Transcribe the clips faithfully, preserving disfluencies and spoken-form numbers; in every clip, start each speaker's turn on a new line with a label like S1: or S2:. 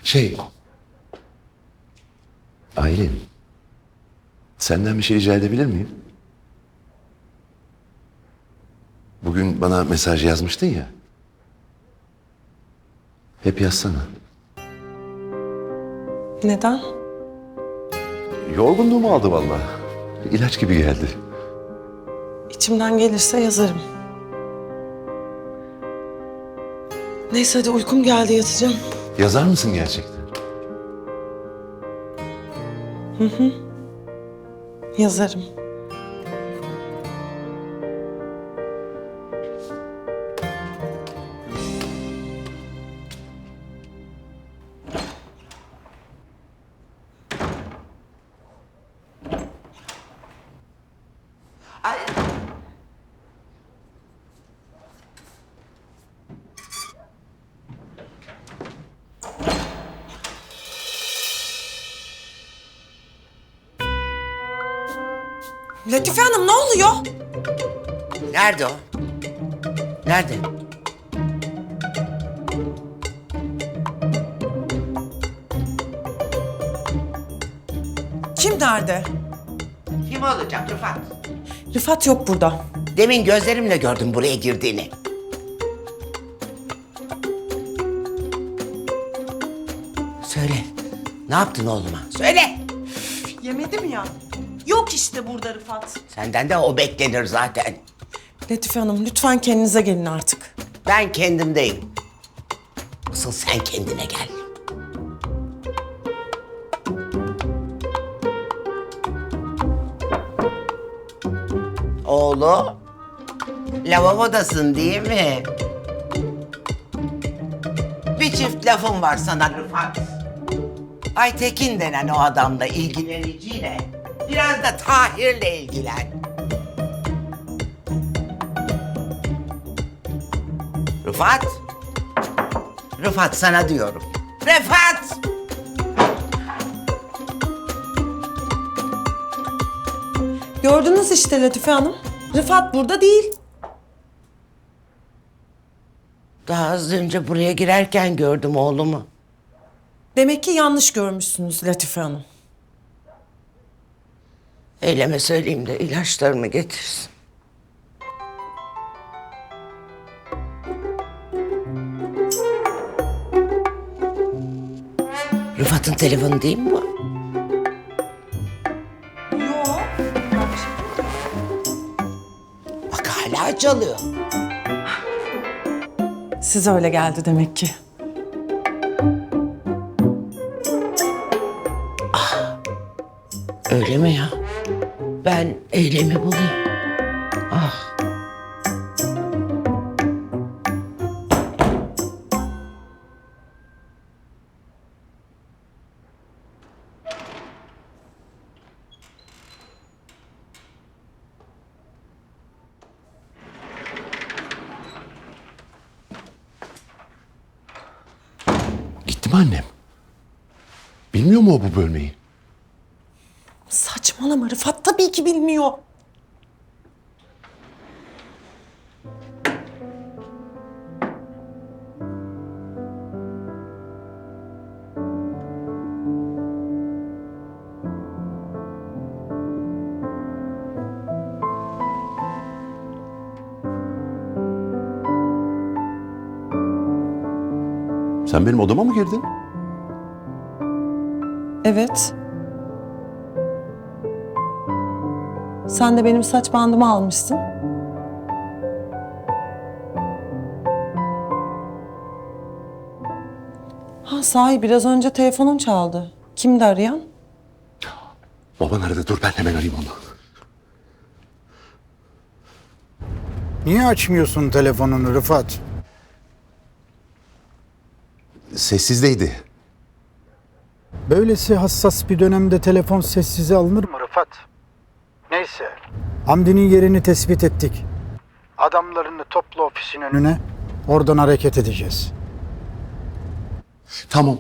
S1: Şey... Aylin... Senden bir şey rica edebilir miyim? Bugün bana mesaj yazmıştın ya. Hep yazsana.
S2: Neden?
S1: Yorgunluğumu aldı vallahi. İlaç gibi geldi.
S2: İçimden gelirse yazarım. Neyse hadi uykum geldi, yatacağım.
S1: Yazar mısın gerçekten?
S2: Yazarım.
S3: Ay.
S2: Latife Hanım, ne oluyor?
S3: Nerede o? Nerede?
S2: Kim nerede?
S3: Kim olacak Rıfat?
S2: Rıfat yok burada.
S3: Demin gözlerimle gördüm buraya girdiğini. Söyle. Ne yaptın oğluma? Söyle.
S2: Yemedim ya. Yok işte burada Rıfat.
S3: Senden de o beklenir zaten.
S2: Latife Hanım, lütfen kendinize gelin artık.
S3: Ben kendimdeyim. Asıl sen kendine gel. Oğlu, lavabodasın değil mi? Bir çift lafım var sana Rıfat. Aytekin denen o adamla ilgileniciyle biraz da Tahir'le ilgilen. Rıfat. Rıfat sana diyorum. Rıfat!
S2: Gördünüz işte Latife Hanım. Rıfat burada değil.
S3: Daha az önce buraya girerken gördüm oğlumu.
S2: Demek ki yanlış görmüşsünüz Latife Hanım.
S3: Eyleme söyleyeyim de ilaçlarımı getirsin. Rıfat'ın telefonu değil mi bu?
S2: Yok.
S3: Bak hala çalıyor.
S2: Size öyle geldi demek ki.
S3: Öyle mi ya? Ben Eylem'i bulayım. Ah.
S1: Gitti mi annem? Bilmiyor mu o bu bölmeyi?
S2: Saçmalama, Rıfat tabii ki bilmiyor.
S1: Sen benim odama mı girdin?
S2: Evet. Sen de benim saç bandımı almışsın. Ha sahi, biraz önce telefonun çaldı. Kimdi arayan?
S1: Baban aradı, dur ben hemen arayayım onu.
S4: Niye açmıyorsun telefonunu Rıfat?
S1: Sessizdeydi.
S4: Böylesi hassas bir dönemde telefon sessize alınır mı Rıfat? Neyse. Hamdi'nin yerini tespit ettik. Adamlarını topla ofisin önüne. Oradan hareket edeceğiz.
S1: Tamam.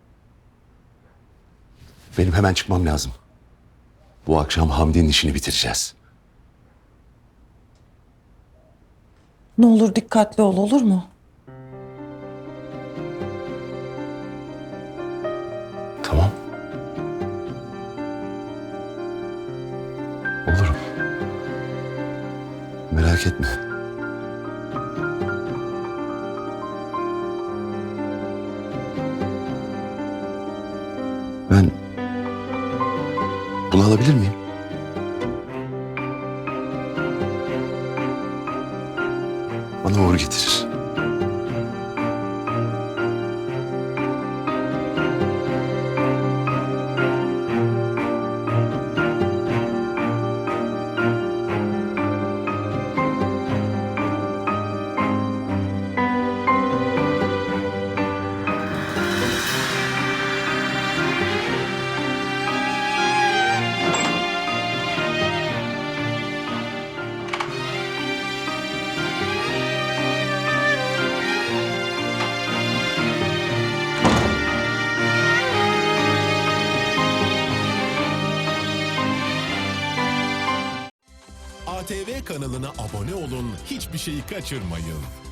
S1: Benim hemen çıkmam lazım. Bu akşam Hamdi'nin işini bitireceğiz.
S2: Ne olur dikkatli ol, olur mu?
S1: Merak etme. Ben bunu alabilir miyim? Bana uğur getirir.
S5: A T V kanalına abone olun, hiçbir şeyi kaçırmayın.